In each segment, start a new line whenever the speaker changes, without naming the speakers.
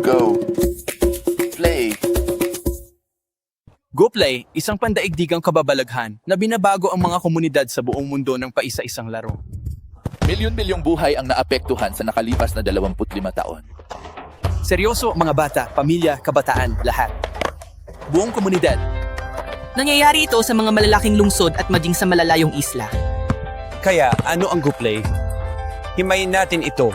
Go. Play.
GoPlay, isang pandaigdigang kababalaghan na binabago ang mga komunidad sa buong mundo ng paisa-isang laro.
Milyon-milyong buhay ang naapektuhan sa nakalipas na 25 taon.
Seryoso, mga bata, pamilya, kabataan, lahat. Buong komunidad.
Nangyayari ito sa mga malalaking lungsod at maging sa malalayong isla.
Kaya ano ang GoPlay? Himayin natin ito.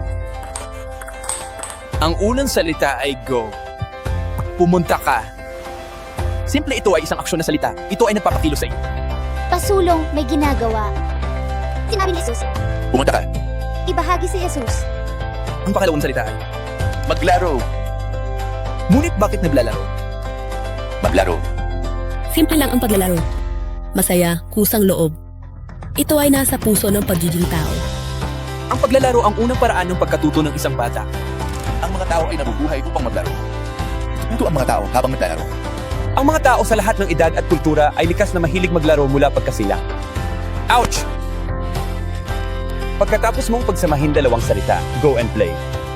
Ang unang salita ay go. Pumunta ka. Simple, ito ay isang aksyon na salita. Ito ay nagpapakilo sa iyo.
Pasulong may ginagawa. Sinabi ni Jesus,
Pumunta ka.
ibahagi si Jesus.
Ang pakalawang salita ay,
Maglaro.
ngunit bakit naglalaro?
Maglaro.
Simple lang ang paglalaro. Masaya, kusang loob. Ito ay nasa puso ng pagiging tao.
Ang paglalaro ang unang paraan ng pagkatuto ng isang bata.
Ang mga tao ay nabubuhay upang maglaro. Ito ang mga tao habang naglalaro.
Ang mga tao sa lahat ng edad at kultura ay likas na mahilig maglaro mula pagkasila. Ouch! Pagkatapos mong pagsamahin dalawang salita, go and play.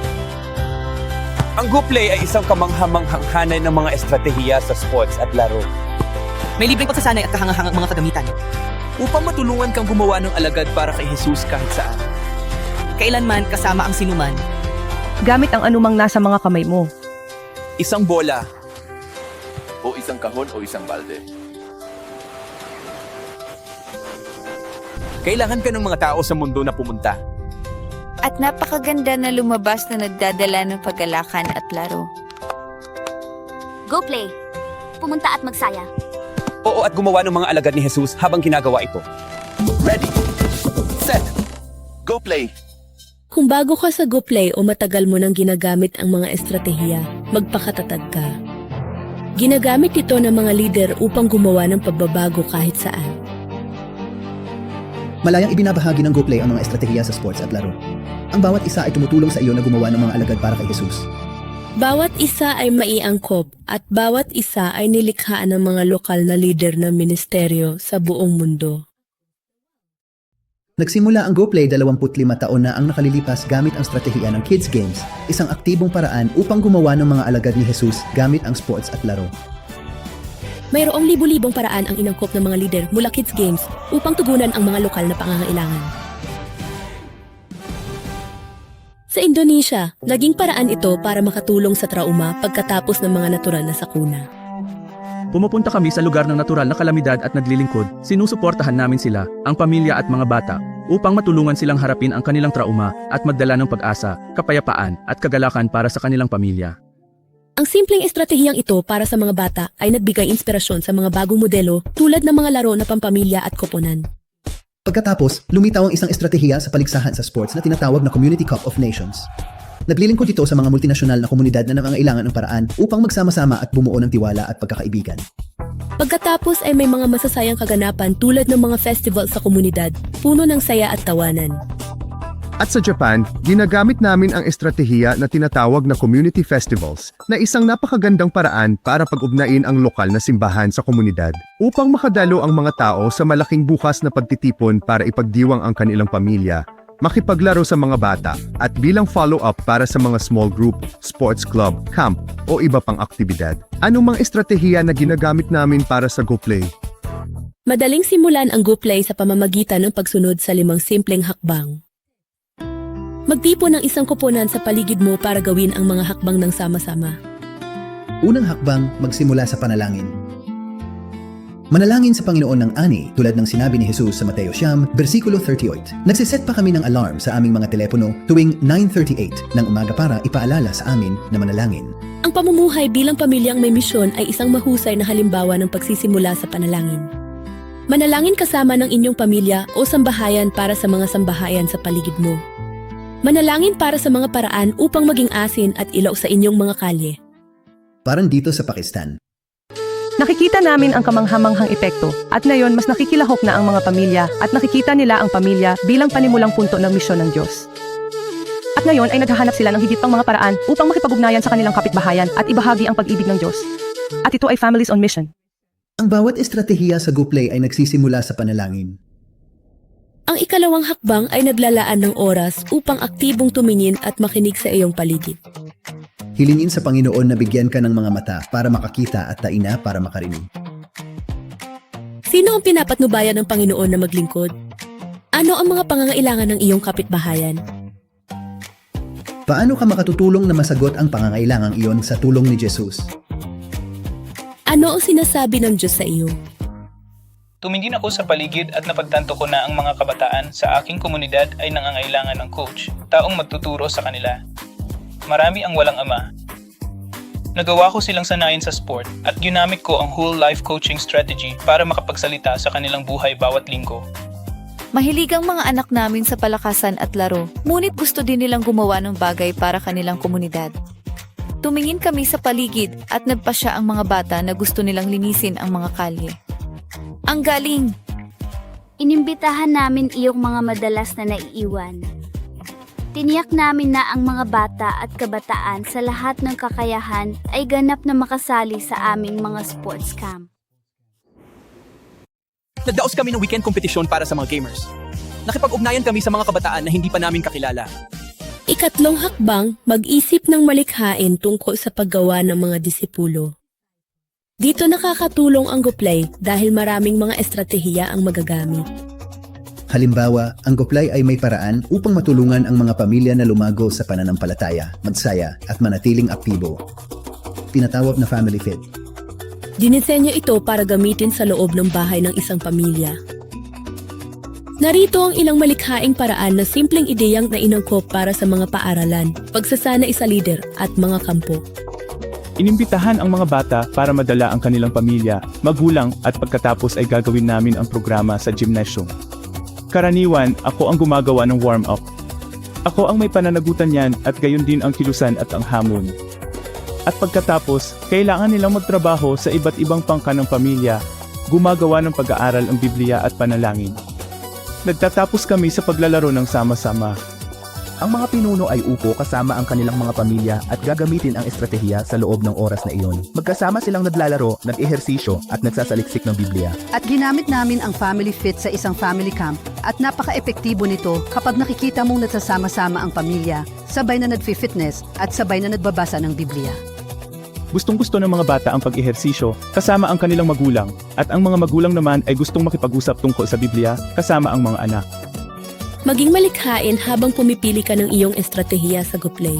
Ang GoPlay ay isang kamanghamanghang hanay ng mga estratehiya sa sports at laro.
May libreng pagsasanay at kahangahangang mga kagamitan.
Upang matulungan kang gumawa ng alagad para kay Jesus kahit saan.
Kailanman kasama ang sinuman.
Gamit ang anumang nasa mga kamay mo.
Isang bola,
O isang kahon o isang balde.
kailangan ka ng mga tao sa mundo na pumunta.
At napakaganda na lumabas na nagdadala ng paggalakan at laro.
Go play. Pumunta at magsaya.
Oo, at gumawa ng mga alagad ni Jesus habang ginagawa ito.
Ready. Set. Go play.
Kung bago ka sa GoPlay o matagal mo nang ginagamit ang mga estratehiya, magpakatatag ka. Ginagamit ito ng mga lider upang gumawa ng pagbabago kahit saan.
Malayang ibinabahagi ng GoPlay ang mga estratehiya sa sports at laro. Ang bawat isa ay tumutulong sa iyo na gumawa ng mga alagad para kay Jesus.
Bawat isa ay maiangkop at bawat isa ay nilikhaan ng mga lokal na lider ng ministeryo sa buong mundo.
Nagsimula ang GoPlay 25 taon na ang nakalilipas gamit ang estratehiya ng Kids Games, isang aktibong paraan upang gumawa ng mga alagad ni Jesus gamit ang sports at laro.
Mayroong libu-libong paraan ang inangkop ng mga lider mula Kids Games upang tugunan ang mga lokal na pangangailangan. Sa Indonesia, naging paraan ito para makatulong sa trauma pagkatapos ng mga natural na sakuna.
Pumupunta kami sa lugar ng natural na kalamidad at naglilingkod, sinusuportahan namin sila, ang pamilya at mga bata, upang matulungan silang harapin ang kanilang trauma at magdala ng pag-asa, kapayapaan at kagalakan para sa kanilang pamilya.
Ang simpleng estratehiyang ito para sa mga bata ay nagbigay inspirasyon sa mga bagong modelo tulad ng mga laro na pampamilya at koponan.
Pagkatapos, lumitaw ang isang estratehiya sa paligsahan sa sports na tinatawag na Community Cup of Nations. Naglilingkod ito sa mga multinasyonal na komunidad na nangangailangan ng paraan upang magsama-sama at bumuo ng tiwala at pagkakaibigan.
Pagkatapos ay may mga masasayang kaganapan tulad ng mga festival sa komunidad, puno ng saya at tawanan.
At sa Japan, ginagamit namin ang estratehiya na tinatawag na community festivals na isang napakagandang paraan para pag-ugnain ang lokal na simbahan sa komunidad upang makadalo ang mga tao sa malaking bukas na pagtitipon para ipagdiwang ang kanilang pamilya, makipaglaro sa mga bata, at bilang follow-up para sa mga small group, sports club, camp, o iba pang aktibidad. Anong mga estratehiya na ginagamit namin para sa GoPlay?
Madaling simulan ang GoPlay sa pamamagitan ng pagsunod sa 5 simpleng hakbang. Magtipon ng isang koponan sa paligid mo para gawin ang mga hakbang ng sama-sama.
Unang hakbang, magsimula sa panalangin. Manalangin sa Panginoon ng ani tulad ng sinabi ni Jesus sa Mateo 9, versikulo 38. Nagsiset pa kami ng alarm sa aming mga telepono tuwing 9:38 ng umaga para ipaalala sa amin na manalangin.
Ang pamumuhay bilang pamilyang may misyon ay isang mahusay na halimbawa ng pagsisimula sa panalangin. Manalangin kasama ng inyong pamilya o sambahayan para sa mga sambahayan sa paligid mo. Manalangin para sa mga paraan upang maging asin at ilaw sa inyong mga kalye.
Parang dito sa Pakistan.
Nakikita namin ang kamanghamanghang epekto at ngayon mas nakikilahok na ang mga pamilya at nakikita nila ang pamilya bilang panimulang punto ng misyon ng Diyos. At ngayon ay naghahanap sila ng higit pang mga paraan upang makipag-ugnayan sa kanilang kapitbahayan at ibahagi ang pag-ibig ng Diyos. At ito ay Families on Mission.
Ang bawat estratehiya sa GoPlay ay nagsisimula sa panalangin.
Ang ikalawang hakbang ay naglalaan ng oras upang aktibong tumingin at makinig sa iyong paligid.
Hilingin sa Panginoon na bigyan ka ng mga mata para makakita at taina para makarinig.
Sino ang pinapatnubayan ng Panginoon na maglingkod? Ano ang mga pangangailangan ng iyong kapitbahayan?
Paano ka makatutulong na masagot ang pangangailangang iyon sa tulong ni Jesus?
Ano ang sinasabi ng Diyos sa iyo?
Tumingin ako sa paligid at napagtanto ko na ang mga kabataan sa aking komunidad ay nangangailangan ng coach, taong magtuturo sa kanila. Marami ang walang ama. Nagawa ko silang sanayin sa sport at ginamit ko ang whole life coaching strategy para makapagsalita sa kanilang buhay bawat linggo.
Mahilig ang mga anak namin sa palakasan at laro, ngunit gusto din nilang gumawa ng bagay para kanilang komunidad. Tumingin kami sa paligid at nagpasya ang mga bata na gusto nilang linisin ang mga kalye. Ang galing!
Inimbitahan namin iyong mga madalas na naiiwan. Tiniyak namin na ang mga bata at kabataan sa lahat ng kakayahan ay ganap na makasali sa aming mga sports camp.
Nagdaos kami ng weekend kompetisyon para sa mga gamers. Nakipag-ugnayan kami sa mga kabataan na hindi pa namin kakilala.
Ikatlong hakbang, mag-isip ng malikhain tungkol sa paggawa ng mga disipulo. Dito nakakatulong ang GoPlay dahil maraming mga estratehiya ang magagamit.
Halimbawa, ang GoPlay ay may paraan upang matulungan ang mga pamilya na lumago sa pananampalataya, magsaya at manatiling aktibo. Tinatawag na Family Fit.
Dinisenyo ito para gamitin sa loob ng bahay ng isang pamilya. Narito ang ilang malikhaing paraan na simpleng ideyang nainangkop para sa mga paaralan, pagsasanay sa lider at mga kampo.
Inimbitahan ang mga bata para madala ang kanilang pamilya, magulang at pagkatapos ay gagawin namin ang programa sa gymnasium. Karaniwan, ako ang gumagawa ng warm-up. Ako ang may pananagutan yan at gayon din ang kilusan at ang hamon. At pagkatapos, kailangan nilang magtrabaho sa iba't ibang pangka ng pamilya, gumagawa ng pag-aaral ang Biblia at panalangin. Nagtatapos kami sa paglalaro ng sama-sama.
Ang mga pinuno ay upo kasama ang kanilang mga pamilya at gagamitin ang estratehiya sa loob ng oras na iyon. Magkasama silang naglalaro, nag-ehersisyo at nagsasaliksik ng Biblia.
At ginamit namin ang Family Fit sa isang family camp at napaka-epektibo nito kapag nakikita mong nagsasama-sama ang pamilya, sabay na nagfi-fitness at sabay na nagbabasa ng Biblia.
Gustong-gusto ng mga bata ang pag-ehersisyo kasama ang kanilang magulang at ang mga magulang naman ay gustong makipag-usap tungkol sa Biblia kasama ang mga anak.
Maging malikhain habang pumipili ka ng iyong estratehiya sa GoPlay.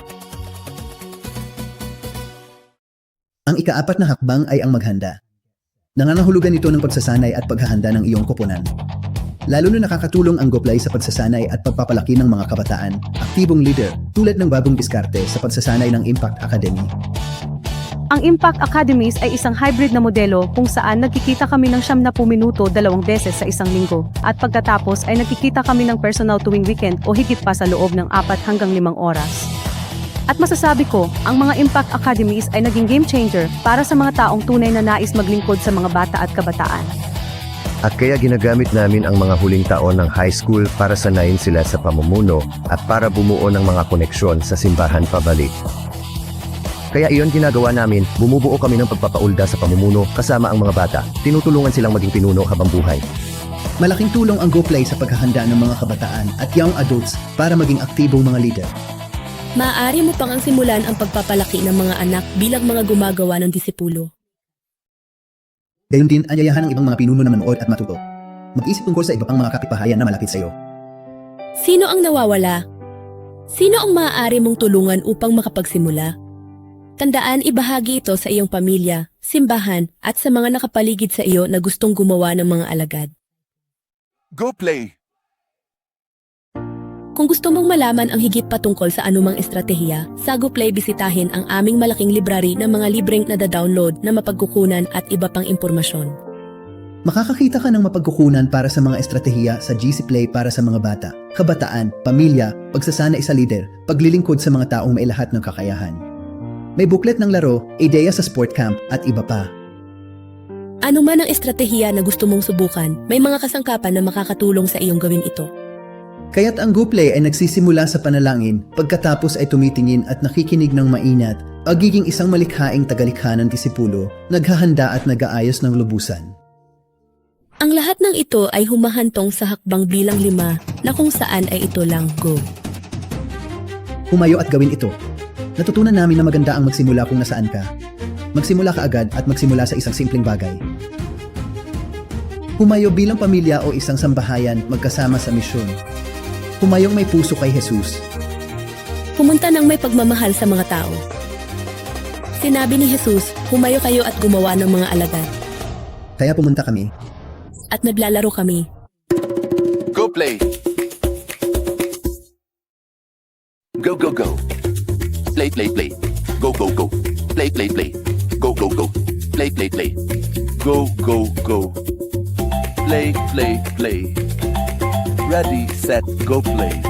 Ang ikaapat na hakbang ay ang maghanda. Nangangahulugan ito ng pagsasanay at paghahanda ng iyong koponan. Lalo na nakakatulong ang GoPlay sa pagsasanay at pagpapalaki ng mga kabataan, aktibong leader, tulad ng bagong diskarte sa pagsasanay ng Impact Academy.
Ang Impact Academies ay isang hybrid na modelo kung saan nagkikita kami ng 90 minuto 2 beses sa isang linggo at pagkatapos ay nagkikita kami ng personal tuwing weekend o higit pa sa loob ng 4 hanggang 5 oras. At masasabi ko, ang mga Impact Academies ay naging game changer para sa mga taong tunay na nais maglingkod sa mga bata at kabataan.
At kaya ginagamit namin ang mga huling taon ng high school para sanayin sila sa pamumuno at para bumuo ng mga koneksyon sa simbahan pabalik. Kaya iyon ginagawa namin, bumubuo kami ng pagpapaulda sa pamumuno kasama ang mga bata. Tinutulungan silang maging pinuno habang buhay.
Malaking tulong ang GoPlay sa paghahanda ng mga kabataan at young adults para maging aktibong mga leader.
Maaari mo pang ang simulan ang pagpapalaki ng mga anak bilang mga gumagawa ng disipulo.
Gayon din, anyayahan ng ibang mga pinuno na manood at matuto. Mag-isip tungkol sa iba pang mga kapitbahayan na malapit sa iyo.
Sino ang nawawala? Sino ang maaari mong tulungan upang makapagsimula? Tandaan, ibahagi ito sa iyong pamilya, simbahan, at sa mga nakapaligid sa iyo na gustong gumawa ng mga alagad.
GoPlay!
Kung gusto mong malaman ang higit patungkol sa anumang estratehiya, sa GoPlay bisitahin ang aming malaking library ng mga libreng nada-download na mapagkukunan at iba pang impormasyon.
Makakakita ka ng mapagkukunan para sa mga estratehiya sa GC Play para sa mga bata, kabataan, pamilya, pagsasanay sa leader, paglilingkod sa mga taong may lahat ng kakayahan. May booklet ng laro, ideya sa sport camp at iba pa.
Ano man ang estratehiya na gusto mong subukan, may mga kasangkapan na makakatulong sa iyong gawin ito.
Kaya't ang GoPlay ay nagsisimula sa panalangin, pagkatapos ay tumitingin at nakikinig ng mainat, pagiging isang malikhaing tagalikha ng disipulo, naghahanda at nag-aayos ng lubusan.
Ang lahat ng ito ay humahantong sa hakbang bilang 5 na kung saan ay ito lang go.
Humayo at gawin ito. Natutunan namin na maganda ang magsimula kung nasaan ka. Magsimula ka agad at magsimula sa isang simpleng bagay. Humayo bilang pamilya o isang sambahayan magkasama sa misyon. Humayong may puso kay Jesus.
Pumunta ng may pagmamahal sa mga tao. Sinabi ni Jesus, humayo kayo at gumawa ng mga alagad.
Kaya pumunta kami.
At naglalaro kami.
Go play! Go, go, go. Play, play, play. Go, go, go. Play, play, play. Go, go, go. Play, play, play. Go, go, go. Play, play, play. Ready, set, go play.